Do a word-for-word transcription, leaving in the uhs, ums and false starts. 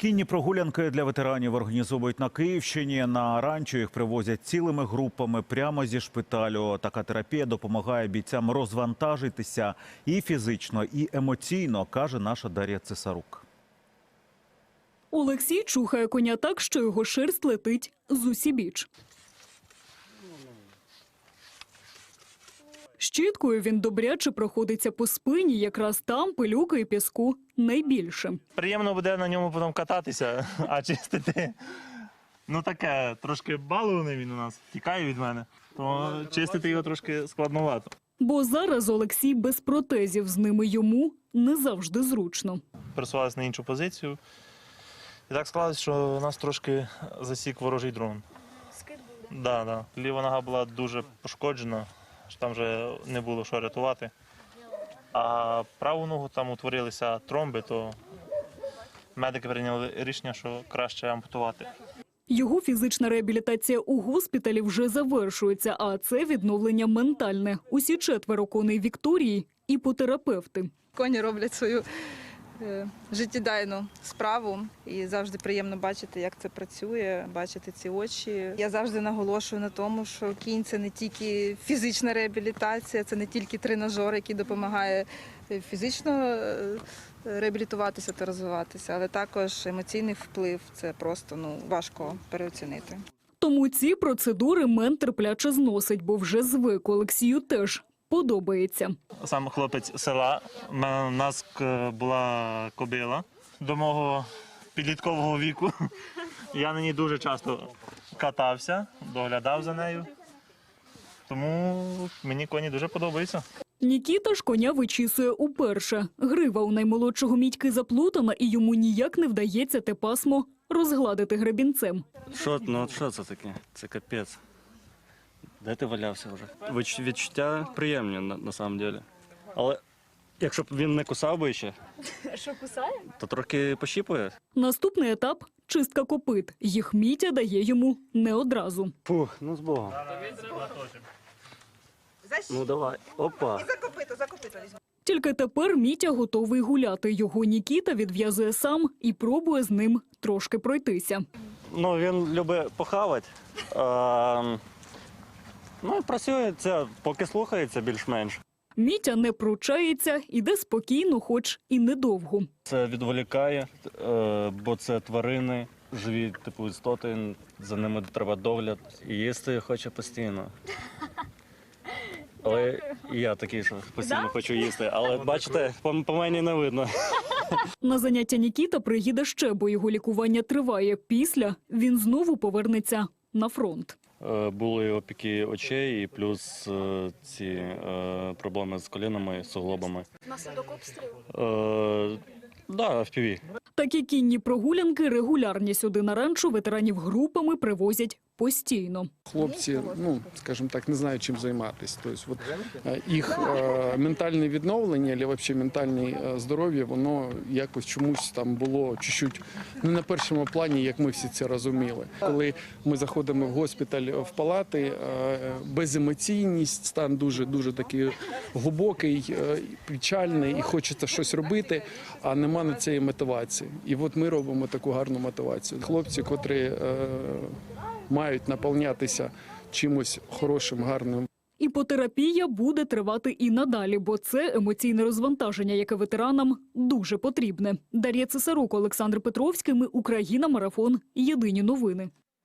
Кінні прогулянки для ветеранів організовують на Київщині. На ранчо їх привозять цілими групами прямо зі шпиталю. Така терапія допомагає бійцям розвантажитися і фізично, і емоційно, каже наша Дар'я Цесарук. Олексій чухає коня так, що його шерсть летить з усібіч. Щіткою він добряче проходиться по спині, якраз там пилюки і піску найбільше. Приємно буде на ньому потім кататися, а чистити, ну таке, трошки балований він у нас, тікає від мене, то чистити його трошки складновато. Бо зараз Олексій без протезів, з ними йому не завжди зручно. Пересувалися на іншу позицію, і так склалось, що нас трошки засік ворожий дрон. Скид був, да, да. Ліва нога була дуже пошкоджена, там вже не було що рятувати. А праву ногу там утворилися тромби, то медики прийняли рішення, що краще ампутувати. Його фізична реабілітація у госпіталі вже завершується, а це відновлення ментальне. Усі четверо коней Вікторії – іпотерапевти. Коні роблять свою е, життєдайну справу і завжди приємно бачити, як це працює, бачити ці очі. Я завжди наголошую на тому, що кінь – це не тільки фізична реабілітація, це не тільки тренажер, який допомагає фізично е, реабілітуватися та розвиватися, але також емоційний вплив – це просто ну, важко переоцінити. Тому ці процедури мент терпляче зносить, бо вже звик. Олексію теж подобається. Сам хлопець села, у нас була кобила до мого підліткового віку. Я на ній дуже часто катався, доглядав за нею, тому мені коні дуже подобаються. Нікіта ж коня вичісує уперше. Грива у наймолодшого Мітьки заплутана, і йому ніяк не вдається те пасмо розгладити гребінцем. Що, ну, що це таке? Це капець. Де ти валявся вже? Відч- Відчуття приємні, на, на самом деле. Але якщо б він не кусав би ще, Що кусає? то трохи пощіпує. Наступний етап – чистка копит. Їх Мітя дає йому не одразу. Фух, ну з Богом. Ну давай, опа. За копито, за копито візьму. Тільки тепер Мітя готовий гуляти. Його Нікіта відв'язує сам і пробує з ним трошки пройтися. Ну він любить похавати. А, ну і працює це, поки слухається більш-менш. Мітя не пручається, іде спокійно, хоч і недовго. Це відволікає, е, бо це тварини, живі типу істоти, за ними треба догляд. І їсти хоче постійно. Але і я такий, що постійно хочу їсти. Але бачите, по, по мені не видно. На заняття Нікіта приїде ще, бо його лікування триває. Після він знову повернеться на фронт. Е, Були опіки очей і плюс е, ці е, проблеми з колінами, суглобами. Внаслідок обстрілу? Е, да, еф пі ві. Такі кінні прогулянки регулярні. Сюди на ранчо ветеранів групами привозять постійно. Хлопці, ну, скажімо так, не знають, чим займатися. Тобто, от, е, їх е, ментальне відновлення, або взагалі ментальне е, здоров'я, воно якось чомусь там було чуть-чуть не на першому плані, як ми всі це розуміли. Коли ми заходимо в госпіталь, в палати, е, беземоційність, стан дуже-дуже такий глибокий, е, печальний, і хочеться щось робити, а нема на цієї мотивації. І от ми робимо таку гарну мотивацію. Хлопці, котрі е, мають наповнятися чимось хорошим, гарним. Іпотерапія буде тривати і надалі, бо це емоційне розвантаження, яке ветеранам дуже потрібне. Дар'я Цесарук, Олександр Петровський. Ми Україна. Марафон. Єдині новини.